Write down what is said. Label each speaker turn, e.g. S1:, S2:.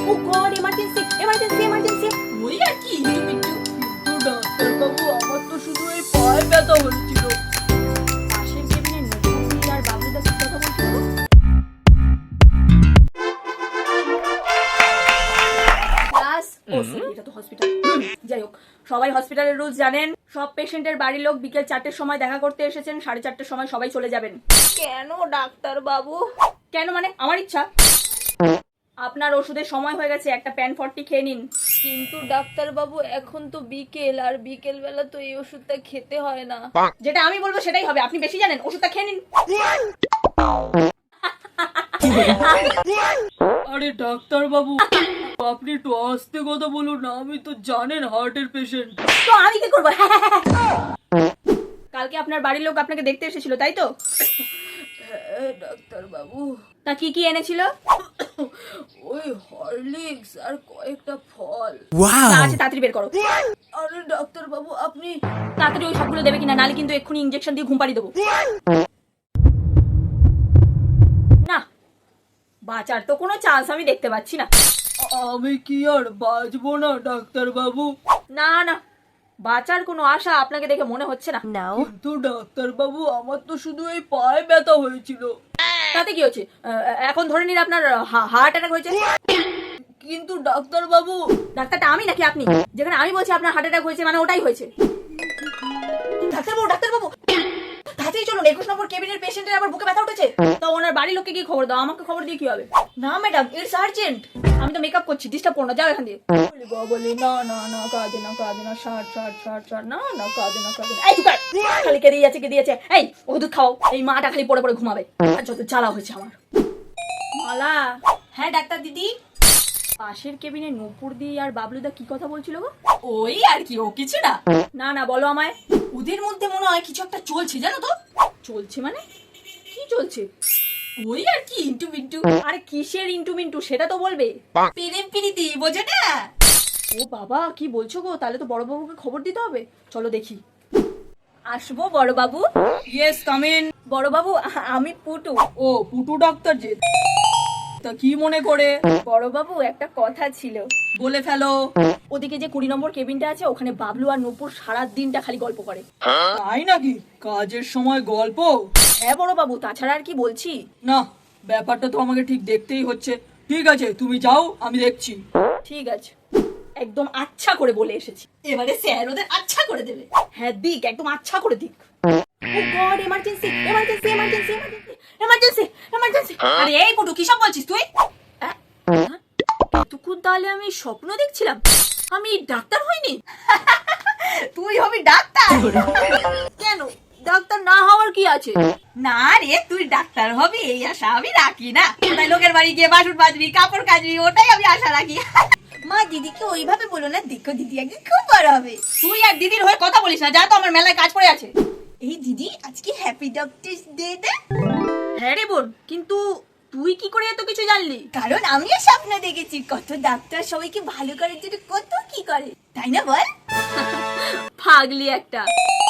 S1: ও God, emergency emergency emergency.
S2: ওই আর কি একটু ডাক্তার বাবু, আমার তো শুধু এই পায়ে ব্যথা হচ্ছিল।
S1: পাশের কেবিনে নতুন আর বাবলুদা কি কথা বলছিল? ক্লাস ও সরি, এটা তো হসপিটাল। যাই হোক, সবাই হসপিটালের রুলস জানেন। সব পেশেন্টের বাড়ির লোক বিকেল 4টের সময় দেখা করতে এসেছেন, 4:30টার সময় সবাই চলে যাবেন।
S2: কেন ডাক্তার বাবু?
S1: কেন মানে আমার ইচ্ছা। আপনার ওষুধের সময় হয়ে গেছে, একটা প্যান 40 খেয়ে নিন।
S2: কিন্তু ডাক্তার বাবু, এখন তো বিকেল, আর বিকেল বেলা তো এই ওষুধটা খেতে হয় না।
S1: যেটা আমি বলবো সেটাই হবে, আপনি বেশি জানেন, ওষুধটা খেয়ে নিন।
S2: আরে ডাক্তার বাবু, আপনি একটু আস্তে কথা বলুন না, আমি তো জানেন হার্টের পেশেন্ট।
S1: তো আমি কি করবো? কালকে আপনার বাড়ির লোক আপনাকে দেখতে এসেছিল, তাই তো?
S2: ডাক্তার বাবু,
S1: তা কি কি এনেছিল?
S2: ওই হরলিক্স আর কয়েকটা ফল।
S1: যা আছে তাড়াতাড়ি বের করো।
S2: আরে ডাক্তার বাবু, আপনি
S1: তাড়াতাড়ি ওই সবগুলো দেবে কিনা, নালে কিন্তু এক্ষুনি ইঞ্জেকশন দিয়ে ঘুম পাড়িয়ে দেবো। না, বাঁচার তো কোনো চান্স আমি দেখতে পাচ্ছি না।
S2: আমি কি আর বাঁচবো না ডাক্তার বাবু?
S1: না না, বাঁচার কোনো আশা আপনাকে দেখে মনে হচ্ছে না।
S2: কিন্তু ডাক্তার বাবু, আমার তো শুধু এই পায়ে ব্যথা হয়েছিল।
S1: তাতে কি হচ্ছে? এখন ধরে নিন আপনার হার্ট অ্যাটাক হয়েছে।
S2: কিন্তু ডাক্তার বাবু,
S1: ডাক্তারটা আমি নাকি আপনি? যেখানে আমি বলছি আপনার হার্ট অ্যাটাক হয়েছে, মানে ওটাই হয়েছে। ডাক্তারবাবু ডাক্তারবাবু, তাড়াতাড়ি চলুন, 21 নম্বর কেবিনের পেশেন্টের আবার বুকে ব্যথা উঠেছে। তো ওনার বাড়ির লোককে গিয়ে খবর দাও, আমাকে খবর দিয়ে কি হবে? না ম্যাডাম, ইটস আর্জেন্ট। আমি তো মেকআপ করছি, ডিস্টার্ব করো না, যাও এখান দিয়ে।
S2: বলি না না না, কাঁদে না কাঁদে না, ষাট ষাট ষাট ষাট, না না কাঁদে না কাঁদে না।
S1: এই চুপ কর, খালি কেঁদে যাচ্ছে কেঁদে যাচ্ছে। এই ওষুধ খাও, এই মাটা খালি পড়ে পড়ে ঘুমাবে। আর যত জ্বালা হয়েছে আমার। মালা। হ্যাঁ ডাক্তার দিদি। পাশের কেবিনে নূপুর দি আর বাবলুদা কি কথা বলছিল গো?
S2: ওই আর কি, ও কিছু না।
S1: না না, বলো আমায়।
S2: ওদের মধ্যে মনে হয় কিছু একটা চলছে, জানো তো?
S1: চলছে মানে? কি চলছে?
S2: ওই আর কি, ইন্টু মিন্টু।
S1: আরে কিসের ইন্টু মিন্টু, সেটা তো বলবে।
S2: প্রেম প্রীতি, বোঝো না?
S1: ও বাবা, কি বলছো গো? তাহলে তো বড়বাবুকে খবর দিতে হবে। চলো দেখি। আসবো বড়বাবু?
S2: Yes, come in.
S1: বড়বাবু, আমি পুটু।
S2: ও, পুটু ডাক্তার যে। তা কি মনে করে?
S1: বড়বাবু, একটা কথা ছিল।
S2: বলে ফেলো।
S1: ওদিকে যে 20 নম্বর কেবিনটা আছে, ওখানে বাবলু আর নূপুর সারা দিনটা খালি গল্প করে।
S2: তাই নাকি? কাজের সময় গল্প?
S1: হ্যাঁ বড়বাবু, তাছাড়া আর কি বলছি।
S2: না, ব্যাপারটা তো আমাকে ঠিক দেখতেই হচ্ছে। ঠিক আছে, তুমি যাও, আমি দেখছি।
S1: ঠিক আছে, একদম আচ্ছা করে বলে এসেছি।
S2: এবারে স্যার ওদের আচ্ছা করে দেবে।
S1: হ্যাঁ দিক, একদম আচ্ছা করে দিক। Oh God, emergency emergency emergency emergency emergency.
S2: আরে এই পুটু, কি সব বলছিস তুই?
S1: এতক্ষণ তাহলে আমি স্বপ্ন দেখছিলাম, আমি ডাক্তার হইনি।
S2: তুই হবি ডাক্তার?
S1: কেন, ডাক্তার না হওয়ার কি আছে?
S2: না রে, তুই ডাক্তার হবি এই আশা আমি রাখি না। তাই লোকের বাড়ি গিয়ে বাসন মাজবি, কাপড় কাচবি, ওটাই আমি আশা রাখি।
S1: মা, দিদিকে ওইভাবে বলো না, দেখো দিদি একদিন খুব বড় হবে।
S2: তুই আর দিদির হয়ে কথা বলিস না, যা তো, আমার মেলায় কাজ পড়ে আছে।
S1: এই দিদি, আজকে হ্যাপি ডক্টরস ডে না? হ্যাঁ রে বোন, কিন্তু তুই কি করে এত কিছু জানলি? কারণ আমিও স্বপ্ন দেখেছি, কত ডাক্তার সবাইকে ভালো করার জন্য কত কি করে, তাই না বল? পাগলি একটা।